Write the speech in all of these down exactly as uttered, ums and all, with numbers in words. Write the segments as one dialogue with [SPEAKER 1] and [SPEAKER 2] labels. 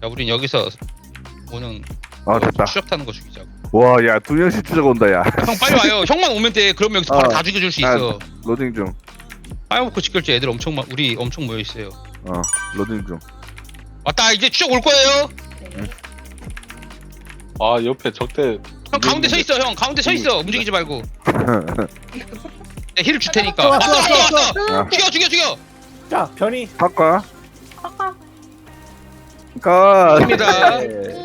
[SPEAKER 1] 야 우린 여기서 오는
[SPEAKER 2] 아 됐다.
[SPEAKER 1] 추적 타는 거 죽이자고.
[SPEAKER 2] 와, 야 두 명씩 추적 온다, 야.
[SPEAKER 1] 형 빨리 와요. 형만 오면 돼. 그러면 여기서 바로
[SPEAKER 2] 어.
[SPEAKER 1] 다 죽여줄 수
[SPEAKER 2] 아,
[SPEAKER 1] 있어.
[SPEAKER 2] 로딩 중.
[SPEAKER 1] 빨먹고 직결제 애들 엄청 많 우리 엄청 모여 있어요.
[SPEAKER 2] 어, 로딩 중.
[SPEAKER 1] 왔다 이제 추적 올 거예요.
[SPEAKER 3] 아 옆에 적대.
[SPEAKER 1] 형 가운데 서 있어. 형 가운데 서 있어. 움직이지 말고. 네, 힐을 줄 테니까.
[SPEAKER 4] 왔어,
[SPEAKER 1] 왔어
[SPEAKER 4] 왔어,
[SPEAKER 1] 왔어 왔어.
[SPEAKER 2] 야,
[SPEAKER 1] 죽여 죽여 죽여.
[SPEAKER 4] 자, 변이.
[SPEAKER 2] 바꿔.
[SPEAKER 5] 아까
[SPEAKER 2] 가.
[SPEAKER 1] 입니다.
[SPEAKER 4] 네.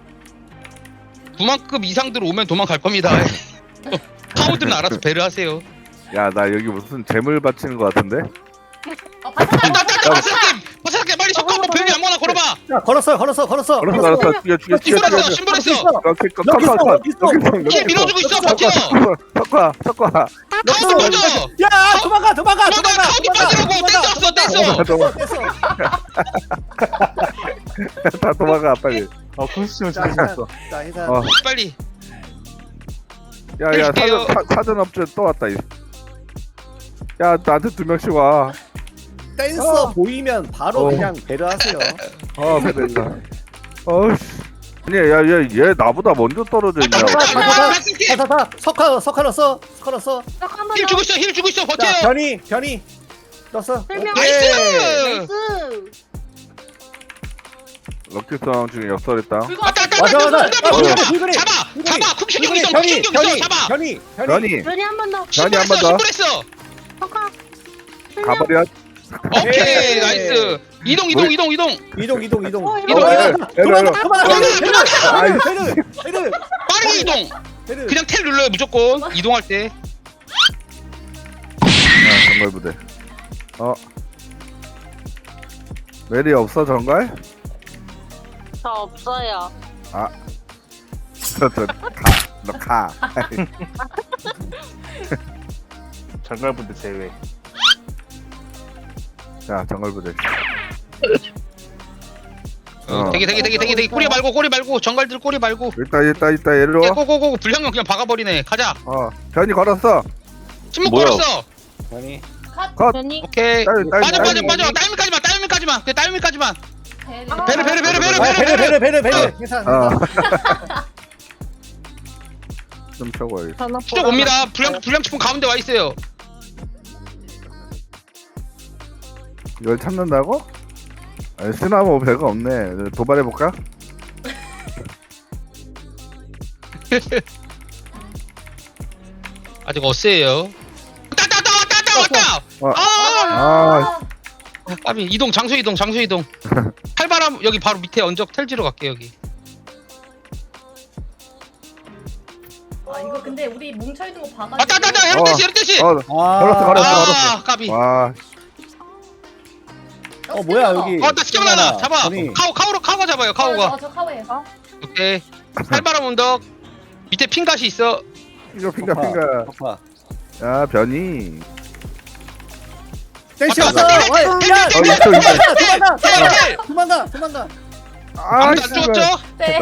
[SPEAKER 1] 구만급 이상들 오면 도망갈 겁니다. 파워들은 알아서 배려하세요.
[SPEAKER 2] 야, 나 여기 무슨 재물 바치는 거 같은데?
[SPEAKER 5] 어 바삭하게
[SPEAKER 1] 나나나 바삭게 바삭게 빨리 섞어. 뭐 별이 아무거나 걸어봐.
[SPEAKER 4] 자, 걸었어, 걸었어, 걸었어.
[SPEAKER 2] 알았어, 알았어. 죽여, 죽여, 죽여,
[SPEAKER 1] 신발했어
[SPEAKER 2] 죽여.
[SPEAKER 1] 신발했어.
[SPEAKER 2] 럭키, 컷,
[SPEAKER 4] 여기
[SPEAKER 2] 컷,
[SPEAKER 4] 있어,
[SPEAKER 2] 컷.
[SPEAKER 4] 여기 있어.
[SPEAKER 2] 여기
[SPEAKER 1] 힐 밀어주고 있어. 버텨.
[SPEAKER 2] 섞어, 섞어.
[SPEAKER 1] 가운데 빠져.
[SPEAKER 4] 야, 도망가, 도망가,
[SPEAKER 1] 도망가,
[SPEAKER 4] 도망가.
[SPEAKER 1] 가운데 빠지라고. 댄스 댄스.
[SPEAKER 2] 도망가,
[SPEAKER 4] 됐어.
[SPEAKER 2] 다 도망가, 빨리.
[SPEAKER 3] 아 컨스티튜션
[SPEAKER 4] 자, 인사.
[SPEAKER 3] 죽었어.
[SPEAKER 4] 자, 인사.
[SPEAKER 2] 어.
[SPEAKER 1] 빨리.
[SPEAKER 2] 야, 야,
[SPEAKER 1] 해줄게요.
[SPEAKER 2] 사전, 사, 사전업체 또 왔다. 이. 야, 나한테 두 명씩 와.
[SPEAKER 4] 댄서 보이면 바로
[SPEAKER 2] 어.
[SPEAKER 4] 그냥 배려하세요.
[SPEAKER 2] 어, 됐다. 어씨. 아니, 야, 얘, 얘 나보다 먼저 떨어져 있냐?
[SPEAKER 4] 자, 자, 자,
[SPEAKER 1] 바삭게.
[SPEAKER 4] 자, 자, 자, 석화, 석화 넣었어, 석화 넣었어.
[SPEAKER 5] 한번
[SPEAKER 1] 힐 주고 있어 힐 주고 있어. 버텨.
[SPEAKER 4] 자, 변이, 변이. 넣었어.
[SPEAKER 5] 설명.
[SPEAKER 4] 오케이.
[SPEAKER 1] 나이스.
[SPEAKER 5] 나이스.
[SPEAKER 2] 럭키성 중에 역설했다.
[SPEAKER 5] 불과
[SPEAKER 1] 왔다 왔다
[SPEAKER 4] 맞아,
[SPEAKER 1] 왔다.
[SPEAKER 4] 맞아.
[SPEAKER 1] 왔다,
[SPEAKER 4] 어,
[SPEAKER 1] 왔다.
[SPEAKER 4] 불그리.
[SPEAKER 1] 잡아 잡아. 쿵시경 있어
[SPEAKER 4] 변이,
[SPEAKER 1] 쿵시경
[SPEAKER 4] 변이,
[SPEAKER 1] 있어. 잡아.
[SPEAKER 4] 변이, 변이.
[SPEAKER 2] 변이,
[SPEAKER 5] 변이 한 번 더.
[SPEAKER 2] 변이 한 번 더.
[SPEAKER 1] 신발했어.
[SPEAKER 5] 석화.
[SPEAKER 2] 가버려.
[SPEAKER 1] 오케이
[SPEAKER 4] 오케이.
[SPEAKER 1] 나이스. 이동 이동
[SPEAKER 2] 뭘-
[SPEAKER 1] 이동 이동.
[SPEAKER 4] 이동, 이동, 이동.
[SPEAKER 5] 어,
[SPEAKER 1] 이동.
[SPEAKER 4] 도망가,
[SPEAKER 2] 에이,
[SPEAKER 4] 도망가,
[SPEAKER 2] 에이,
[SPEAKER 4] 도망가.
[SPEAKER 1] 에이,
[SPEAKER 4] 베르, 베르, 베르, 베르,
[SPEAKER 1] 빠르게 이동.
[SPEAKER 4] 베르.
[SPEAKER 1] 그냥 텔 눌러요 무조건. 이동할 때.
[SPEAKER 2] 아, 정갈 부대. 어. 메리 없어, 정갈?
[SPEAKER 5] 저 없어요.
[SPEAKER 2] 저, 저, 가. 너 가.
[SPEAKER 3] 장갈부대 제외.
[SPEAKER 2] 자, 정갈 부대.
[SPEAKER 1] 어. 되게 되게 되게 되게 되게 꼬리 말고 꼬리 말고 정갈들 꼬리 말고.
[SPEAKER 2] 일단, 일단, 일단, 얘로.
[SPEAKER 1] 예, 고고고 불량형 그냥 박아버리네. 가자.
[SPEAKER 2] 어. 변이 걸었어.
[SPEAKER 1] 침묵
[SPEAKER 3] 뭐야?
[SPEAKER 1] 걸었어.
[SPEAKER 4] 변이.
[SPEAKER 2] 컷.
[SPEAKER 5] 변이.
[SPEAKER 1] 오케이.
[SPEAKER 2] 딸, 딸,
[SPEAKER 1] 빠져
[SPEAKER 2] 딸.
[SPEAKER 1] 빠져 빠져. 딸미까지만 딸미까지만. 그 딸미까지만.
[SPEAKER 5] 아,
[SPEAKER 1] 베르 베르 베르 베르
[SPEAKER 4] 아, 베르,
[SPEAKER 1] 베르
[SPEAKER 4] 베르,
[SPEAKER 1] 베르.
[SPEAKER 4] 베르, 베르. 괜찮아,
[SPEAKER 2] 어.
[SPEAKER 4] 괜찮아.
[SPEAKER 2] 좀 쳐고
[SPEAKER 5] 전화
[SPEAKER 1] 쭉 옵니다. 불량 불량 치품 가운데 와 있어요.
[SPEAKER 2] 이걸 찾는다고? 아니, 스나모 배가 없네. 도발해볼까?
[SPEAKER 1] 아직 어세요. 왔다 왔다 왔다 왔다
[SPEAKER 2] 어.
[SPEAKER 1] 왔다. 아,
[SPEAKER 2] 아,
[SPEAKER 1] 까비 이동 장소 이동 장소 이동. 칼바람 여기 바로 밑에 언적 텔지로 갈게 여기.
[SPEAKER 6] 아 이거 근데 우리 뭉쳐있는 거 봐가지고
[SPEAKER 1] 왔다 왔다 왔다 헤르테시 헤르테시.
[SPEAKER 2] 어,
[SPEAKER 4] 아,
[SPEAKER 2] 걸었어, 걸었어,
[SPEAKER 1] 아
[SPEAKER 2] 걸었어.
[SPEAKER 1] 까비.
[SPEAKER 2] 와,
[SPEAKER 4] 어, 뭐야, 여기.
[SPEAKER 1] 어, 나 시경나나 잡아.
[SPEAKER 4] 변이.
[SPEAKER 1] 카오 카오로 카오가 잡아요 카오가.
[SPEAKER 6] 어저 카오예요.
[SPEAKER 1] 오케이. 칼바람 언덕 밑에 핑갓이 있어.
[SPEAKER 2] 핑가, 핑가, 핑가.
[SPEAKER 4] 석화.
[SPEAKER 2] 야, 변이.
[SPEAKER 4] 댄시
[SPEAKER 1] 왔다,
[SPEAKER 4] 왔어.
[SPEAKER 1] 왔다,
[SPEAKER 4] 어이,
[SPEAKER 1] 왔다,
[SPEAKER 4] 야,
[SPEAKER 2] 왔다,
[SPEAKER 4] 도망가,
[SPEAKER 2] 왔다,
[SPEAKER 4] 도망가, 도망가,
[SPEAKER 1] 텔.
[SPEAKER 4] 도망가, 도망가.
[SPEAKER 2] 아,
[SPEAKER 1] 아무도 안 죽었죠?
[SPEAKER 6] 네.